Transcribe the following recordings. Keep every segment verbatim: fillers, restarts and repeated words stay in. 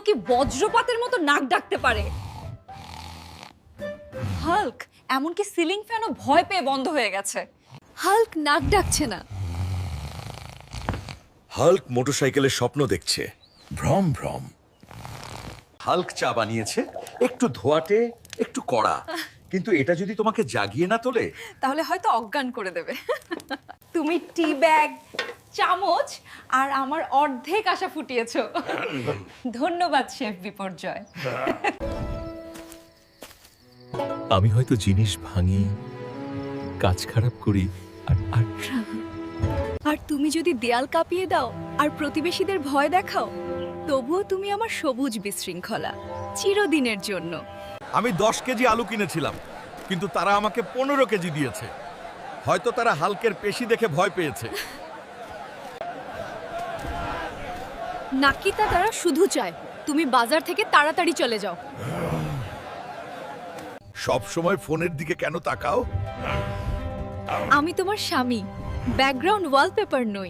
কি বজ্রপাতের মতো নাক ডাকতে পারে? হাল্ক এমনকি সিলিং ফ্যানও ভয় পেয়ে বন্ধ হয়ে গেছে। হাল্ক নাক ডাকছে না। হাল্ক মোটরসাইকেলের স্বপ্ন দেখছে, ভ্রম ভ্রম। হাল্ক চা বানিয়েছে, একটু ধোয়াটে, একটু কড়া, কিন্তু এটা যদি তোমাকে জাগিয়ে না তোলে তাহলে হয়তো অজ্ঞান করে দেবে। তুমি টি ব্যাগ, চামচ আর আমার অর্ধেক আশা ফুটিয়েছো। ধন্যবাদ শেফ বিপর্যয়। আমি হয়তো জিনিস ভাঙি, কাজ খারাপ করি, আর আর আর তুমি যদি দেয়াল কাঁপিয়ে দাও আর প্রতিবেশীদের ভয় দেখাও, তবুও তুমি আমার সবুজ বিশৃঙ্খলা, চিরদিনের জন্য। আমি দশ কেজি আলু কিনেছিলাম, কিন্তু তারা আমাকে পনেরো কেজি দিয়েছে। হয়তো তারা হাল্কের পেশি দেখে ভয় পেয়েছে। নাকিতা তারা শুধু চায় তুমি বাজার থেকে তাড়াতাড়ি চলে যাও। সব সময় ফোনের দিকে কেন তাকাও? আমি তোমার স্বামী, ব্যাকগ্রাউন্ড ওয়ালপেপার নই।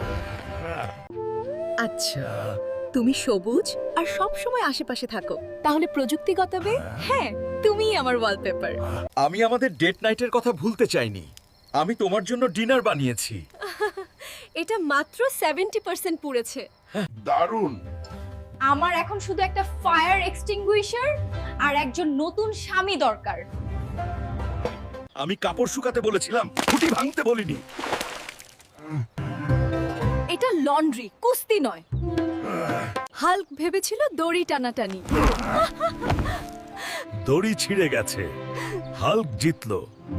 আচ্ছা, তুমি সবুজ আর সব সময় আশেপাশে থাকো, তাহলে প্রযুক্তিগতভাবে হ্যাঁ তুমিই আমার ওয়ালপেপার। আমি আমাদের ডেট নাইটের কথা ভুলতে চাইনি। আমি তোমার জন্য ডিনার বানিয়েছি। এটা মাত্র সেভেন্টি পার্সেন্ট পুড়েছে। দারুণ। আমার এখন শুধু একটা ফায়ার এক্সটিংগুইশার আর একজন নতুন স্বামী দরকার। আমি কাপড় শুকাতে বলেছিলাম, খুঁটি ভাঙতে বলিনি। এটা লন্ড্রি, কুস্তি নয়। হাল্ক ভেবেছিল দড়ি টানাটানি। দড়ি ছিঁড়ে গেছে, হাল্ক জিতলো।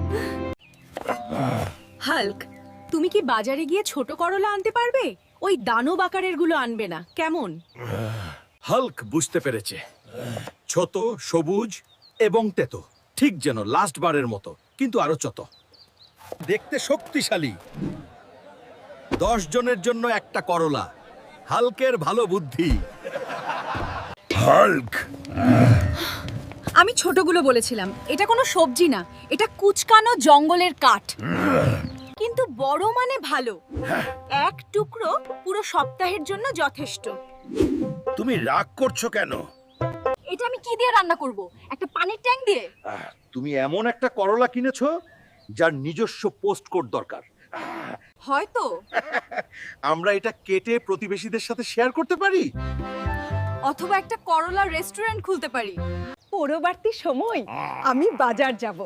হাল্ক, তুমি কি বাজারে গিয়ে ছোট করলা আনতে পারবে? ওই দানব আকারের গুলো আনবে না, কেমন? হাল্ক বুঝতে পেরেছে, ছোট, সবুজ এবং তেতো, ঠিক যেন লাস্ট বারের মতো, কিন্তু আরো ছোট। দেখতে শক্তিশালী। দশ জনের জন্য একটা করলা। হাল্কের ভালো বুদ্ধি। হাল্ক, আমি ছোটগুলো বলেছিলাম। এটা কোনো সবজি না, এটা কুচকানো জঙ্গলের কাঠ। কিন্তু বড় মানে ভালো। এক টুকরো পুরো সপ্তাহের জন্য যথেষ্ট। তুমি রাগ করছো কেন? এটা আমি কি দিয়ে রান্না করব? একটা পানির ট্যাঙ্ক দিয়ে? তুমি এমন একটা করলা কিনেছো যার নিজস্ব পোস্ট কোড দরকার। হয়তো। আমরা এটা কেটে প্রতিবেশীদের সাথে শেয়ার করতে পারি। অথবা একটা করলা রেস্টুরেন্ট খুলতে পারি। পরবর্তী সময় আমি বাজার যাব।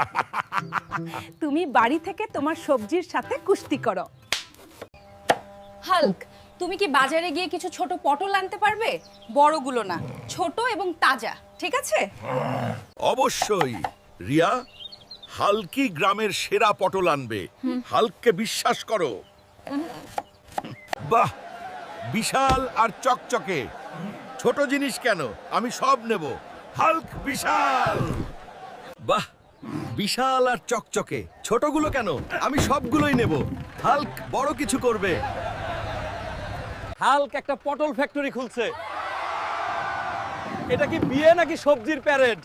তুমি বাড়ি থেকে তোমার সবজির সাথে কুস্তি করো। হাল্ক, তুমি কি বাজারে গিয়ে কিছু ছোট পটল আনতে পারবে? বড়গুলো না, ছোট এবং তাজা, ঠিক আছে? অবশ্যই। রিয়া, হাল্কি গ্রামের সেরা পটল আনবে। হাল্ককে বিশ্বাস করো। বাহ, বিশাল আর চকচকে। ছোট জিনিস কেন, আমি সব নেব। হাল্ক বিশাল। বাহ, বিশাল আর চকচকে। ছোটগুলো কেন, আমি সবগুলোই নেব। হাল্ক বড় কিছু করবে। হাল্ক একটা পটল ফ্যাক্টরি খুলছে। এটা কি বিয়ে নাকি সবজির প্যারেড?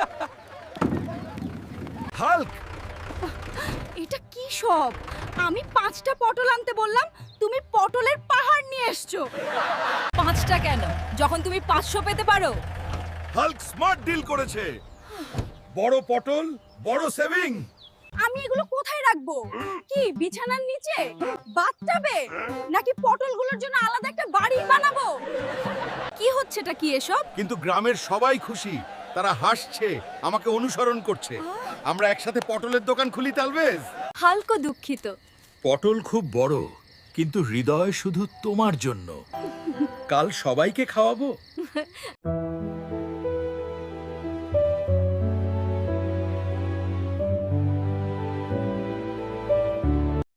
হাল্ক, এটা কি সব? আমি পাঁচটা পটল আনতে বললাম, তুমি পটলের পাহাড় নিয়ে এসছো। পাঁচটা কেন, যখন তুমি পাঁচশো পেতে পারো? হাল্ক স্মার্ট ডিল করেছে। বড় পটল, বড় সেভিং। আমি এগুলো কোথায় রাখবো? কি বিছানার নিচে, বাথটাবে, নাকি পটলগুলোর জন্য আলাদা একটা বাড়ি বানাবো? কি হচ্ছেটা কি এসব? কিন্তু গ্রামের সবাই খুশি। তারা হাসছে, আমাকে অনুসরণ করছে। আমরা একসাথে পটলের দোকান খুলি, তালবেজ। হালকা দুঃখিত। পটল খুব বড়, কিন্তু হৃদয় শুধু তোমার জন্য। কাল সবাইকে খাওয়াবো।